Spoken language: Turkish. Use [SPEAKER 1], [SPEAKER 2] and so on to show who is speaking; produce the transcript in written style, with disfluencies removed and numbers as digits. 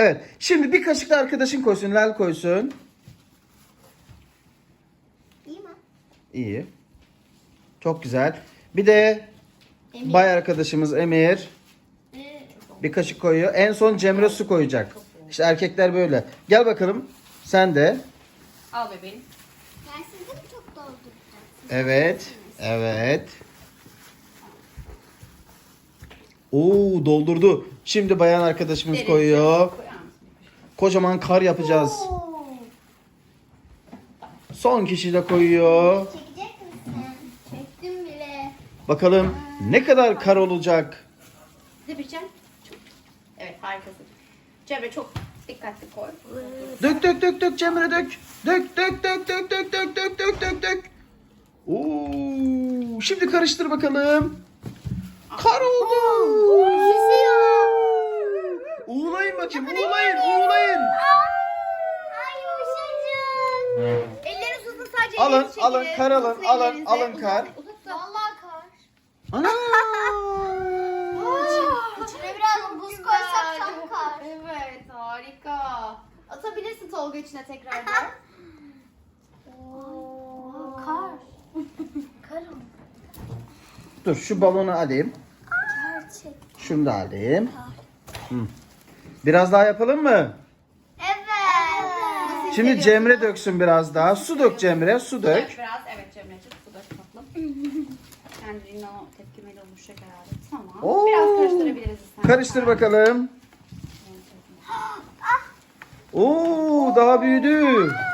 [SPEAKER 1] Evet. Şimdi bir kaşık da arkadaşın koysun. Lal koysun.
[SPEAKER 2] İyi mi?
[SPEAKER 1] İyi. Çok güzel. Bir de
[SPEAKER 2] Emir.
[SPEAKER 1] bay arkadaşımız Emir bir kaşık koyuyor. En son Cemre su koyacak. İşte erkekler böyle. Gel bakalım. Sen de.
[SPEAKER 3] Al bebeğim.
[SPEAKER 2] Ben sizi mi çok dolduracağım?
[SPEAKER 1] Evet. Evet. Oo, doldurdu. Şimdi bayan arkadaşımız
[SPEAKER 3] Derin.
[SPEAKER 1] koyuyor.
[SPEAKER 3] Koyar mısın bir kaşık?
[SPEAKER 1] Kocaman kar yapacağız.
[SPEAKER 2] Oo.
[SPEAKER 1] Son kişi de koyuyor.
[SPEAKER 2] Çekecek misin? Çektim bile.
[SPEAKER 1] Bakalım ne kadar kar olacak.
[SPEAKER 3] Zebricem. Çok. Evet, harikasın. Cemre çok dikkatli koy.
[SPEAKER 1] Dök dök dök dök Cemre dök. Dök dök dök dök dök dök dök dök dök dök. Oo, şimdi karıştır bakalım. Kar oldu. Uğulayın bakayım. Uğulayın. Uğulayın.
[SPEAKER 2] Ay yumuşacık.
[SPEAKER 3] Elleriniz uzun, sadece
[SPEAKER 1] Alın,
[SPEAKER 3] ellerinizi çekin.
[SPEAKER 1] alın, kar alın,
[SPEAKER 3] Uzatın
[SPEAKER 1] alın,
[SPEAKER 3] ellerinizi.
[SPEAKER 1] alın kar.
[SPEAKER 3] Uzatın.
[SPEAKER 2] Vallahi kar.
[SPEAKER 1] Ana.
[SPEAKER 2] İçine biraz buz koysak tam kar.
[SPEAKER 3] Evet, harika. Atabilirsin Tolga içine tekrardan.
[SPEAKER 2] Oo, kar. Kar oldu.
[SPEAKER 1] Dur şu balonu alayım.
[SPEAKER 2] Gerçek.
[SPEAKER 1] Şunu da alayım. Hı. Biraz daha yapalım mı?
[SPEAKER 2] Evet.
[SPEAKER 1] Şimdi Cemre döksün biraz daha. Su dök Cemre, su dök.
[SPEAKER 3] Dök biraz. Evet Cemre'ciğim, su dök tatlım. Kendiliğinden o tepkimeyle oluşacak herhalde. Tamam.
[SPEAKER 1] Oo.
[SPEAKER 3] Biraz karıştırabiliriz istersen.
[SPEAKER 1] Karıştır bakalım. Oo, daha büyüdü.